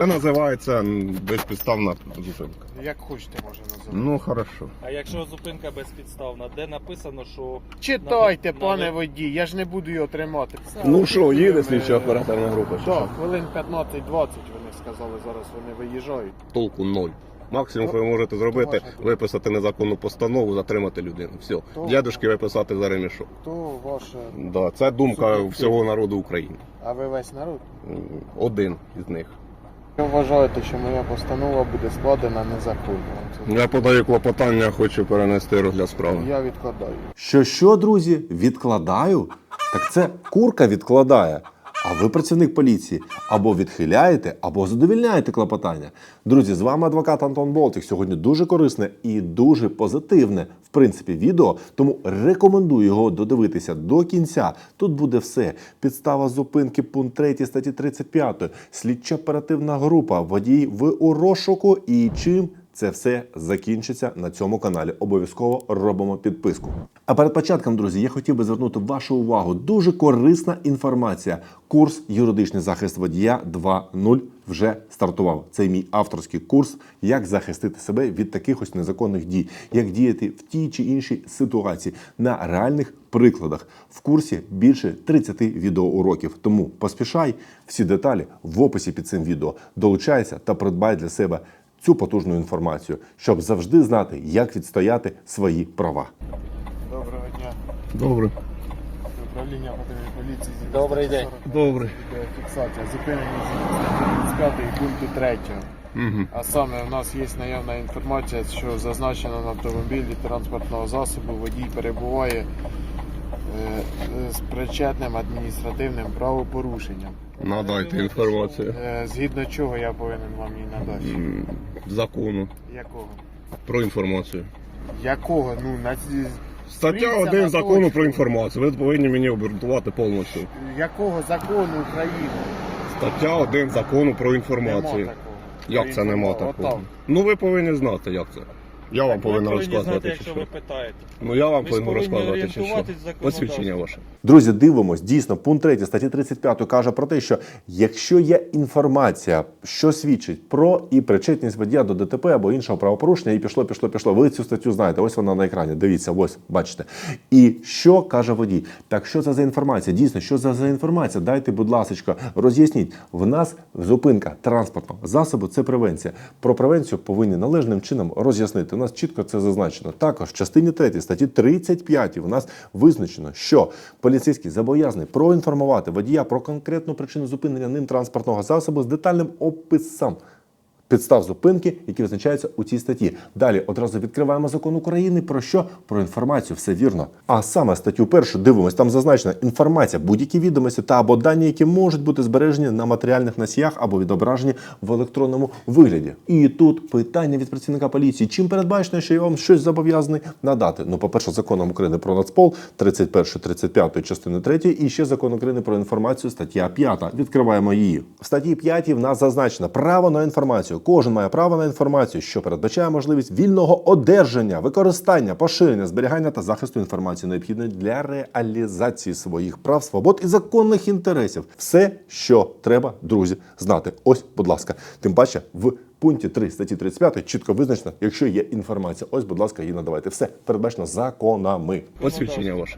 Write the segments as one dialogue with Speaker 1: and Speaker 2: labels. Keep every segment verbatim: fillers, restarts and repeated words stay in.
Speaker 1: Це називається м, безпідставна зупинка.
Speaker 2: Як хочете, може називати.
Speaker 1: Ну, хорошо.
Speaker 3: А якщо зупинка безпідставна, де написано, що...
Speaker 2: Читайте,
Speaker 3: на-
Speaker 2: пане
Speaker 3: на-
Speaker 2: водій, я ж не буду його тримати.
Speaker 1: Ну що, їде
Speaker 2: Ми-
Speaker 1: слідча оперативна група? чи
Speaker 2: Так,
Speaker 1: що?
Speaker 2: хвилин п'ятнадцять-двадцять вони сказали, зараз вони виїжджають.
Speaker 1: Толку ноль. Максимум, що ви можете зробити,
Speaker 2: ваша думка?
Speaker 1: виписати незаконну постанову, затримати людину. Все.
Speaker 2: То-
Speaker 1: Дядюшки виписати за ремішок.
Speaker 2: То ваше...
Speaker 1: Да, це думка
Speaker 2: Суб'єктивно.
Speaker 1: всього народу України.
Speaker 2: А ви весь народ?
Speaker 1: М, Один із них.
Speaker 2: Ви вважаєте, що моя постанова буде складена незаконно? Вам це-
Speaker 1: Я подаю клопотання, хочу перенести розгляд справи.
Speaker 2: Я відкладаю.
Speaker 4: Що що, друзі, відкладаю? Так це курка відкладає. А ви працівник поліції. Або відхиляєте, або задовільняєте клопотання. Друзі, з вами адвокат Антон Болтик. Сьогодні дуже корисне і дуже позитивне, в принципі, відео. Тому рекомендую його додивитися до кінця. Тут буде все. Підстава зупинки, пункт третій статті тридцять п'ять, слідча оперативна група, водій в у розшуку і чим це все закінчиться на цьому каналі. Обов'язково робимо підписку. А перед початком, друзі, я хотів би звернути вашу увагу. Дуже корисна інформація. Курс «Юридичний захист водія два нуль» вже стартував. Це мій авторський курс, як захистити себе від таких ось незаконних дій, як діяти в тій чи іншій ситуації на реальних прикладах. В курсі більше тридцять відеоуроків. Тому поспішай, всі деталі в описі під цим відео. Долучайся та придбай для себе цю потужну інформацію, щоб завжди знати, як відстояти свої права.
Speaker 2: Доброго дня.
Speaker 1: Добре.
Speaker 2: Управління патрульної поліції.
Speaker 3: Добрий день.
Speaker 1: Добре.
Speaker 2: Фіксація. Зупинені з тридцять п'ятої пункту третього.
Speaker 1: Угу.
Speaker 2: А саме у нас є наявна інформація, що зазначено на автомобілі транспортного засобу водій перебуває е, з причетним адміністративним правопорушенням.
Speaker 1: Надайте інформацію.
Speaker 2: Е, згідно чого я повинен вам її надати?
Speaker 1: М, Закону
Speaker 2: Якого?
Speaker 1: про інформацію.
Speaker 2: Якого? Ну, на...
Speaker 1: Стаття
Speaker 2: Стріться
Speaker 1: один
Speaker 2: на
Speaker 1: закону
Speaker 2: точку.
Speaker 1: про інформацію. Ви повинні мені обґрунтувати повністю.
Speaker 2: Якого закону України?
Speaker 1: Стаття один закону про
Speaker 2: Нема
Speaker 1: інформацію.
Speaker 2: такого.
Speaker 1: Як це нема
Speaker 2: Отам.
Speaker 1: такого? Ну ви повинні знати, як це. Я вам
Speaker 3: Ви
Speaker 1: повинен
Speaker 3: повинні знати,
Speaker 1: розказувати, чи
Speaker 3: якщо
Speaker 1: що.
Speaker 3: ви питаєте.
Speaker 1: Ну я вам
Speaker 3: Ви ж
Speaker 1: повинен
Speaker 3: повинні
Speaker 1: розказувати, чи що.
Speaker 3: орієнтуватись в законодавстві.
Speaker 1: Посвідчення ваше.
Speaker 4: Друзі, дивимось. Дійсно, пункт третій статті тридцять п'ять каже про те, що якщо є інформація, що свідчить про і причетність водія до ДТП або іншого правопорушення, і пішло, пішло, пішло. Ви цю статтю знаєте, ось вона на екрані. Дивіться, ось, бачите. І що каже водій? Так що це за інформація? Дійсно, що це за інформація? Дайте, будь ласка, роз'ясніть. В нас зупинка транспортного засобу – це превенція. Про превенцію повинні належним чином роз'яснити. У нас чітко це зазначено. Також в частині третій статті тридцять п'ять у нас визначено, що поліцейський зобов'язаний проінформувати водія про конкретну причину зупинення ним транспортного засобу з детальним описом підстав зупинки, які визначаються у цій статті. Далі одразу відкриваємо закон України про що? Про інформацію, все вірно. А саме статтю першу дивимось, там зазначена інформація, будь-які відомості та або дані, які можуть бути збережені на матеріальних носіях або відображені в електронному вигляді. І тут питання від працівника поліції. Чим передбачено, що я вам щось зобов'язаний надати? Ну, по-перше, законом України про Нацпол, тридцять першої тридцять п'ятої частини третьої, і ще закон України про інформацію, стаття п'ята. Відкриваємо її. В статті п'ятій в нас зазначено право на інформацію. Кожен має право на інформацію, що передбачає можливість вільного одержання, використання, поширення, зберігання та захисту інформації, необхідної для реалізації своїх прав, свобод і законних інтересів. Все, що треба, друзі, знати. Ось, будь ласка. Тим паче, в пункті три статті тридцять п'ять чітко визначено, якщо є інформація. Ось, будь ласка, її надавайте. Все передбачено законами.
Speaker 1: Посвідчення ваше.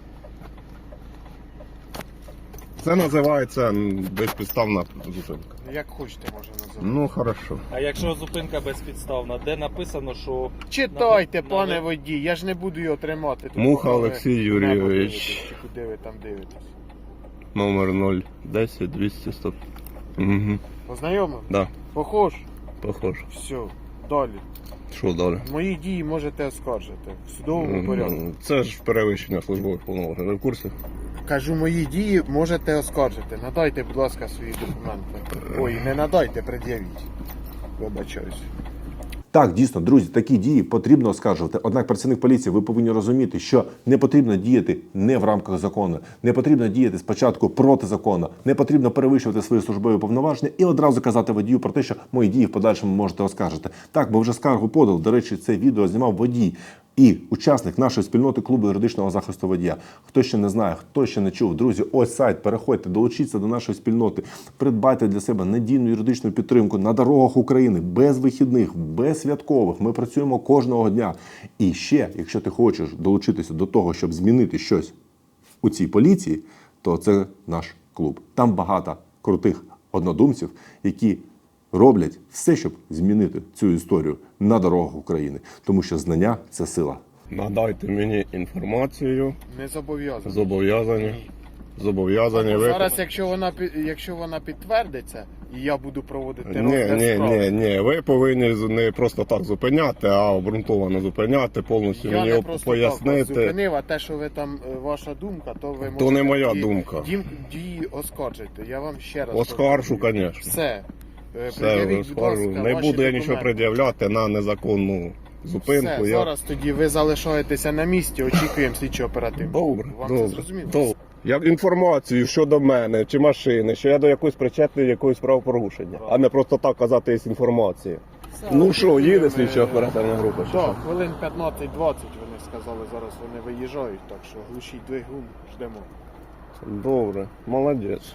Speaker 1: Це називається м, безпідставна зупинка.
Speaker 2: Як хочете, може називати.
Speaker 1: Ну, хорошо.
Speaker 3: А якщо зупинка безпідставна, де написано, що...
Speaker 2: Читайте,
Speaker 3: на-
Speaker 2: пане
Speaker 3: на-
Speaker 2: водій, я ж не буду його тримати. Тут
Speaker 1: Муха
Speaker 2: поки ви
Speaker 1: Олексій
Speaker 2: небо
Speaker 1: Юрійович.
Speaker 2: дивитесь, чи Куди ви там дивитесь?
Speaker 1: Номер нуль десять двісті сто. Угу.
Speaker 2: Познайомив?
Speaker 1: Да,
Speaker 2: Похож?
Speaker 1: похоже.
Speaker 2: Все, далі.
Speaker 1: Що далі?
Speaker 2: Мої дії можете оскаржити в судовому порядку.
Speaker 1: М, Це ж перевищення службових повноважень. Ви в курсі?
Speaker 2: Кажу, мої дії можете оскаржити. Надайте, будь ласка, свої документи. Ой, не надайте, пред'явіть. Вибачаюсь.
Speaker 4: Так, дійсно, друзі, такі дії потрібно оскаржувати. Однак працівник поліції, ви повинні розуміти, що не потрібно діяти не в рамках закону, не потрібно діяти спочатку проти закону, не потрібно перевищувати свої службові повноваження і одразу казати водію про те, що мої дії в подальшому можете оскаржити. Так, бо вже скаргу подав. До речі, це відео знімав водій і учасник нашої спільноти клубу юридичного захисту водія. Хто ще не знає, хто ще не чув, друзі, ось сайт, переходьте, долучіться до нашої спільноти, придбайте для себе надійну юридичну підтримку на дорогах України, без вихідних, без святкових. Ми працюємо кожного дня. І ще, якщо ти хочеш долучитися до того, щоб змінити щось у цій поліції, то це наш клуб. Там багато крутих однодумців, які роблять все, щоб змінити цю історію на дорогах України. Тому що знання – це сила.
Speaker 1: Надайте мені інформацію.
Speaker 2: Не зобов'язаний.
Speaker 1: Зобов'язані. Зобов'язані ви.
Speaker 2: Зараз, якщо вона пі- якщо вона підтвердиться, і я буду проводити
Speaker 1: Ні,
Speaker 2: розгляд
Speaker 1: ні,
Speaker 2: справи,
Speaker 1: ні, ні. Ви повинні не просто так зупиняти, а обґрунтовано зупиняти, повністю
Speaker 2: я
Speaker 1: мені
Speaker 2: не просто так вас
Speaker 1: пояснити.
Speaker 2: зупинив, а те, що ви там, е, ваша думка, то ви можете...
Speaker 1: То не моя
Speaker 2: дії-
Speaker 1: думка.
Speaker 2: Дім, дії оскаржити. Я вам ще раз...
Speaker 1: Оскаржу,
Speaker 2: повторюю.
Speaker 1: звісно.
Speaker 2: Все. Е,
Speaker 1: Все,
Speaker 2: пред'явіть, будь
Speaker 1: оскаржу.
Speaker 2: ласка,
Speaker 1: Не
Speaker 2: ваші
Speaker 1: буду я нічого
Speaker 2: документи.
Speaker 1: пред'являти на незаконну зупинку.
Speaker 2: Все,
Speaker 1: я...
Speaker 2: зараз тоді ви залишаєтеся на місці, очікуємо слідчо оперативно.
Speaker 1: Добре,
Speaker 2: Вам
Speaker 1: добре,
Speaker 2: це зрозуміло?
Speaker 1: добре. Як інформацію щодо мене чи машини, що я до якоїсь причетний якоїсь правопорушення, а не просто так казати є інформація.
Speaker 2: Все,
Speaker 1: Ну що, їде
Speaker 2: е,
Speaker 1: слідча оперативна група? Чи
Speaker 2: Так,
Speaker 1: що?
Speaker 2: хвилин п'ятнадцять-двадцять вони сказали, зараз вони виїжджають, так що глушіть двигун, ждемо.
Speaker 1: Добре, молодець.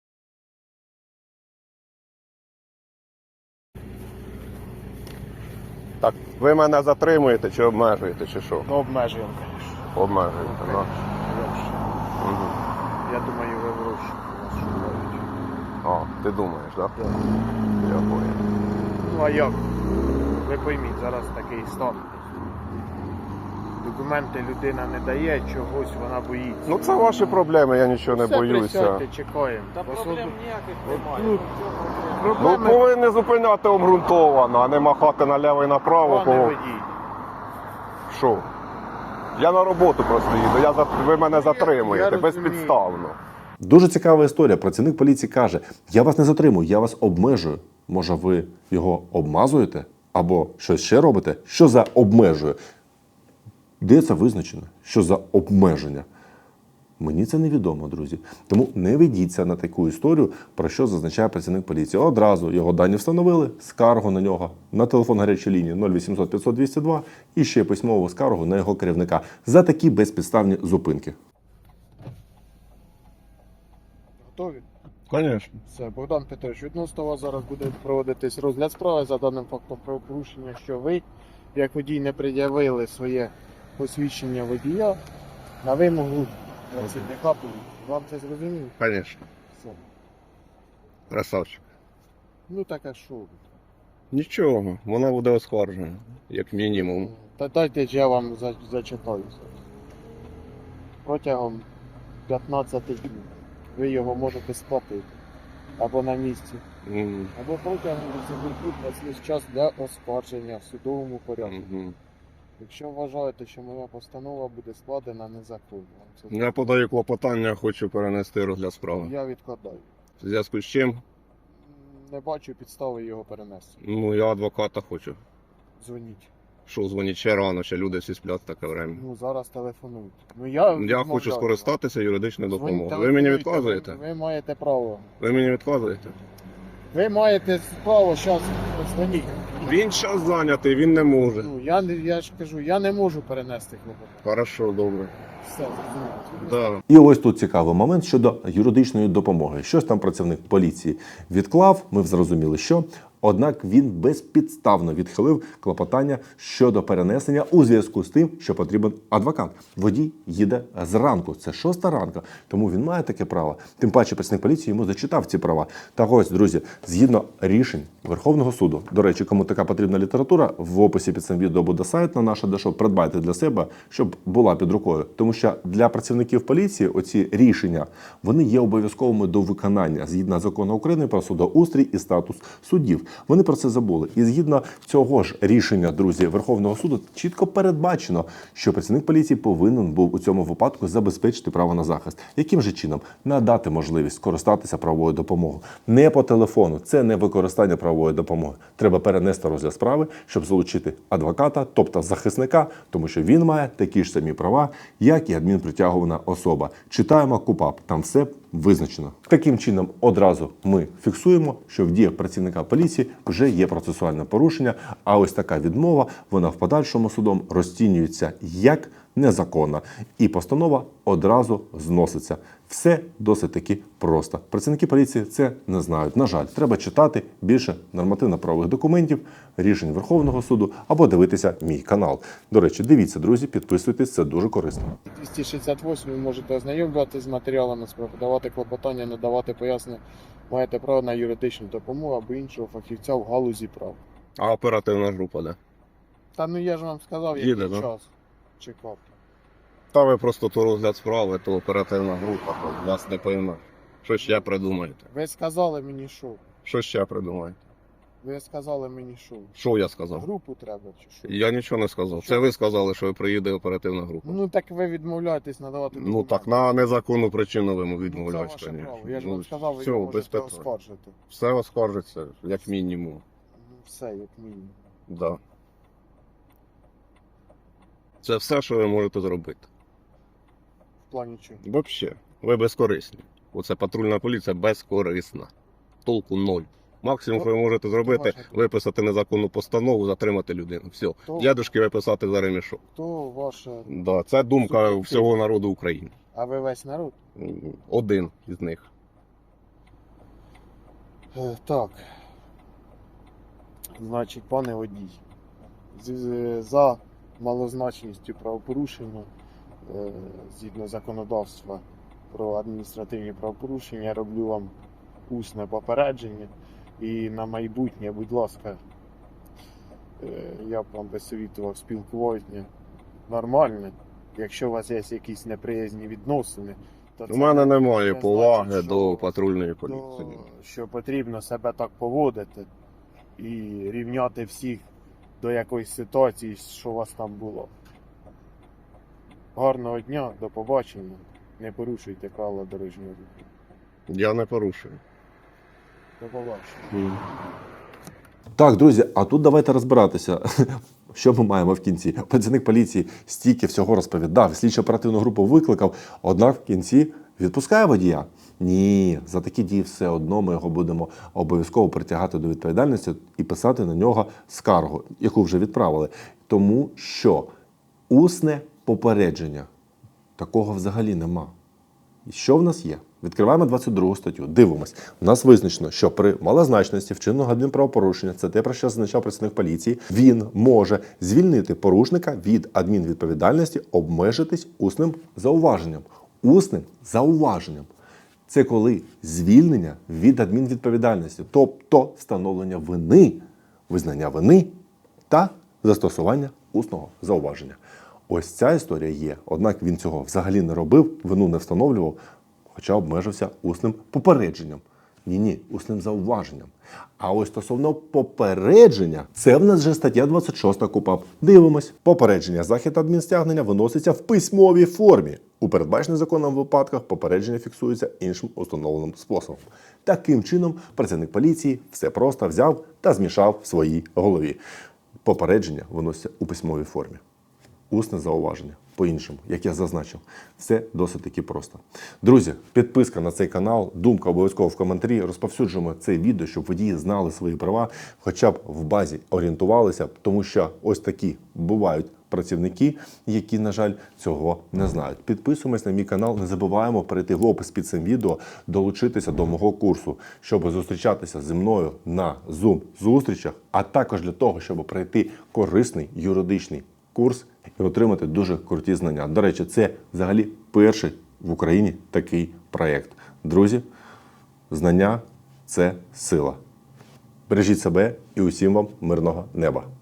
Speaker 1: Так, ви мене затримуєте чи обмежуєте, чи що?
Speaker 2: Ну, обмежуємо, звісно.
Speaker 1: Обмежуєте, так. Угу.
Speaker 2: Я думаю, ви в розшуку вас шукають.
Speaker 1: А, ти думаєш, так?
Speaker 2: Так.
Speaker 1: Я понял.
Speaker 2: Ну а як? Ви пойміть, зараз такий стан. Документи людина не дає, чогось вона боїться.
Speaker 1: Ну це ваші проблеми, я нічого не
Speaker 2: Все,
Speaker 1: боюся.
Speaker 2: присядьте, чекаємо.
Speaker 3: Та
Speaker 2: Освобод-
Speaker 3: проблем ніяких
Speaker 2: От
Speaker 3: немає.
Speaker 2: тут
Speaker 1: Ну
Speaker 2: проблеми,
Speaker 1: повинні зупиняти обґрунтовано, а не махати наліво і направо.
Speaker 2: пане
Speaker 1: Кого...
Speaker 2: водій.
Speaker 1: Що? Я на роботу просто їду, я за... ви мене затримуєте
Speaker 2: я розумію.
Speaker 1: безпідставно.
Speaker 4: Дуже цікава історія. Працівник поліції каже, я вас не затримую, я вас обмежую. Може, ви його обмазуєте? Або щось ще робите? Що за обмежує? Де це визначено? Що за обмеження? Мені це невідомо, друзі. Тому не ведіться на таку історію, про що зазначає працівник поліції. Одразу його дані встановили, скаргу на нього на телефон гарячої лінії нуль вісімсот п'ятсот двісті два і ще письмову скаргу на його керівника за такі безпідставні зупинки.
Speaker 2: Готові?
Speaker 1: Звісно.
Speaker 2: Все, Богдан Петрович, відносно вас зараз буде проводитись розгляд справи за даним фактом правопорушення, що ви, як водій, не пред'явили своє посвідчення водія на вимогу працівника поліції. Вам це зрозуміло?
Speaker 1: Звісно.
Speaker 2: Все.
Speaker 1: Красавчик.
Speaker 2: Ну так а що?
Speaker 1: Нічого, вона буде оскаржена, як мінімум.
Speaker 2: Та дайте ж я вам за- зачитаю. Протягом п'ятнадцяти днів ви його можете сплатити або на місці,
Speaker 1: М,
Speaker 2: або протягом десяти днів час для оскарження в судовому порядку.
Speaker 1: мгм.
Speaker 2: Якщо вважаєте, що моя постанова буде складена незаконно, це
Speaker 1: Я подаю клопотання, хочу перенести розгляд справи.
Speaker 2: я відкладаю.
Speaker 1: В зв'язку з чим?
Speaker 2: Не бачу підстави його перенести.
Speaker 1: Ну, я адвоката хочу.
Speaker 2: Дзвоніть.
Speaker 1: Що, дзвонить ще рано, ще люди всі сплять в таке время.
Speaker 2: Ну зараз телефонуйте. Ну я
Speaker 1: Я
Speaker 2: відмовляю
Speaker 1: хочу
Speaker 2: вам.
Speaker 1: скористатися юридичною
Speaker 2: Дзвоніть,
Speaker 1: допомогою. Ви мені
Speaker 2: телефонуйте,
Speaker 1: відказуєте?
Speaker 2: Ви, ви маєте право.
Speaker 1: Ви мені відказуєте?
Speaker 2: Ви маєте право зараз дзвоніть.
Speaker 1: Він час зайнятий, він не може.
Speaker 2: Ну я не я ж кажу, я не можу перенести клопотання.
Speaker 1: Хорошо, добре.
Speaker 2: Все, зрозуміло.
Speaker 1: Да.
Speaker 4: І ось тут цікавий момент щодо юридичної допомоги. Щось там працівник поліції відклав, ми зрозуміли, що. Однак він безпідставно відхилив клопотання щодо перенесення у зв'язку з тим, що потрібен адвокат. Водій їде зранку, це шоста ранка, тому він має таке право. Тим паче працівник поліції йому зачитав ці права. Так ось, друзі, згідно рішень Верховного суду, до речі, кому така потрібна література, в описі під цим відео буде сайт на наше дешо, придбайте для себе, щоб була під рукою. Тому що для працівників поліції оці рішення, вони є обов'язковими до виконання згідно закону України про судоустрій і статус суддів. Вони про це забули. І згідно цього ж рішення, друзі, Верховного суду чітко передбачено, що працівник поліції повинен був у цьому випадку забезпечити право на захист. Яким же чином? Надати можливість скористатися правовою допомогою. Не по телефону. Це не використання правової допомоги. Треба перенести розгляд справи, щоб залучити адвоката, тобто захисника, тому що він має такі ж самі права, як і адмінпритягувана особа. Читаємо КУпАП. Там все визначено. Таким чином, одразу ми фіксуємо, що в діях працівника поліції вже є процесуальне порушення, а ось така відмова, вона в подальшому судом розцінюється як незаконна, і постанова одразу зноситься. Все досить таки просто. Працівники поліції це не знають. На жаль, треба читати більше нормативно-правових документів, рішень Верховного суду або дивитися мій канал. До речі, дивіться, друзі, підписуйтесь, це дуже корисно.
Speaker 2: двісті шістдесят восьм ви можете ознайомлюватися з матеріалами справи, давати клопотання, надавати пояснення. Маєте право на юридичну допомогу або іншого фахівця в галузі прав.
Speaker 1: А оперативна група, де?
Speaker 2: Та ну я ж вам сказав,
Speaker 1: Їде,
Speaker 2: який
Speaker 1: да?
Speaker 2: час чекав.
Speaker 1: Та ви просто то розгляд справи, то оперативна група, то вас не пойме. Що ще придумаєте?
Speaker 2: Ви сказали мені що?
Speaker 1: Що ще придумаєте?
Speaker 2: Ви сказали мені що?
Speaker 1: Що я сказав?
Speaker 2: Групу треба чи що?
Speaker 1: Я нічого не сказав. Це ви сказали, що приїде оперативна група.
Speaker 2: Ну так ви відмовляєтесь надавати
Speaker 1: Ну
Speaker 2: документи.
Speaker 1: так, на незаконну причину ви
Speaker 2: Ну, це
Speaker 1: відмовляєте.
Speaker 2: ваше
Speaker 1: конечно.
Speaker 2: право. Я ж
Speaker 1: Ну,
Speaker 2: вам сказав, ви
Speaker 1: все,
Speaker 2: його
Speaker 1: без
Speaker 2: можете
Speaker 1: питань.
Speaker 2: оскаржити.
Speaker 1: Все оскаржиться, як мінімум.
Speaker 2: Ну все, як мінімум.
Speaker 1: Да. Це все, що ви можете зробити.
Speaker 2: В плані чого?
Speaker 1: Взагалі, ви безкорисні. Оце патрульна поліція безкорисна. Толку ноль. Максимум, що ви можете зробити,
Speaker 2: ваша думка?
Speaker 1: виписати незаконну постанову, затримати людину. Все.
Speaker 2: То-
Speaker 1: Дядушки виписати за ремішок.
Speaker 2: То ваше.
Speaker 1: Да, це думка
Speaker 2: Суб'єктивно.
Speaker 1: всього народу України.
Speaker 2: А ви весь народ?
Speaker 1: Один із них.
Speaker 2: Е, так. Значить, пане водій, з- з- за малозначністю правопорушення, е, згідно законодавства про адміністративні правопорушення, я роблю вам усне попередження. І на майбутнє, будь ласка, е, я б вам би совітував спілкування нормальне. Якщо у вас є якісь неприязні відносини, то
Speaker 1: У
Speaker 2: це
Speaker 1: мене
Speaker 2: не
Speaker 1: немає
Speaker 2: значить,
Speaker 1: поваги
Speaker 2: що-
Speaker 1: до патрульної
Speaker 2: то,
Speaker 1: поліції.
Speaker 2: що потрібно себе так поводити і рівняти всіх до якоїсь ситуації, що у вас там було. Гарного дня, до побачення. Не порушуйте правила дорожнього руху.
Speaker 1: Я не порушую.
Speaker 2: До побачення.
Speaker 4: Так, друзі, а тут давайте розбиратися. Що ми маємо в кінці? Працівник поліції стільки всього розповідав, слідчо оперативну групу викликав, однак в кінці відпускає водія. Ні, за такі дії все одно ми його будемо обов'язково притягати до відповідальності і писати на нього скаргу, яку вже відправили. Тому що усне попередження такого взагалі нема. І що в нас є? Відкриваємо двадцять другу статтю, дивимось. У нас визначено, що при малозначності вчиненого адмінправопорушення, це те, про що зазначав працівник поліції, він може звільнити порушника від адмінвідповідальності, обмежитись усним зауваженням. Усним зауваженням. Це коли звільнення від адмінвідповідальності, тобто встановлення вини, визнання вини та застосування усного зауваження. Ось ця історія є. Однак він цього взагалі не робив, вину не встановлював, хоча обмежився усним попередженням. Ні-ні, усним зауваженням. А ось стосовно попередження, це в нас вже стаття двадцять шоста КУпАП. Дивимось. Попередження захід адмінстягнення виноситься в письмовій формі. У передбачених законом випадках попередження фіксується іншим установленим способом. Таким чином, працівник поліції все просто взяв та змішав в своїй голові. Попередження виноситься у письмовій формі. Усне зауваження. По-іншому, як я зазначив, все досить таки просто. Друзі, підписка на цей канал, думка обов'язково в коментарі. Розповсюджуємо це відео, щоб водії знали свої права, хоча б в базі орієнтувалися, тому що ось такі бувають працівники, які, на жаль, цього не знають. Підписуємось на мій канал, не забуваємо перейти в опис під цим відео, долучитися до мого курсу, щоб зустрічатися зі мною на Zoom-зустрічах, а також для того, щоб пройти корисний юридичний курс і отримати дуже круті знання. До речі, це взагалі перший в Україні такий проєкт. Друзі, знання – це сила. Бережіть себе і усім вам мирного неба.